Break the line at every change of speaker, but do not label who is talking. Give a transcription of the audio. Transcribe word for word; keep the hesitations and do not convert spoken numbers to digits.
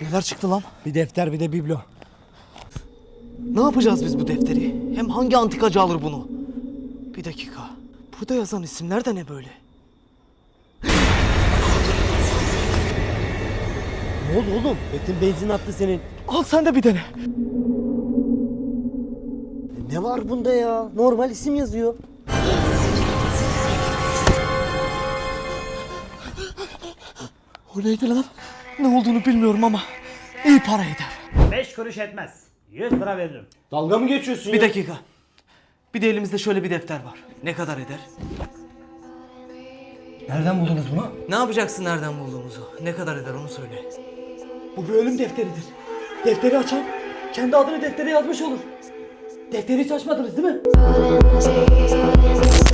Neler çıktı lan?
Bir defter bir de biblo.
Ne yapacağız biz bu defteri? Hem hangi antikacı alır bunu? Bir dakika. Burada yazan isimler de ne böyle?
Ne oldu oğlum? Metin benzin attı senin.
Al sen de bir dene.
E ne var bunda ya? Normal isim yazıyor.
O neydi lan? Ne olduğunu bilmiyorum ama iyi para eder.
Beş kuruş etmez. Yüz lira veririm.
Dalga mı geçiyorsun
Bir
ya?
dakika. Bir de elimizde şöyle bir defter var. Ne kadar eder?
Nereden buldunuz bunu?
Ne yapacaksın nereden bulduğumuzu? Ne kadar eder onu söyle.
Bu bir ölüm defteridir. Defteri açan kendi adını deftere yazmış olur. Defteri hiç açmadınız değil mi?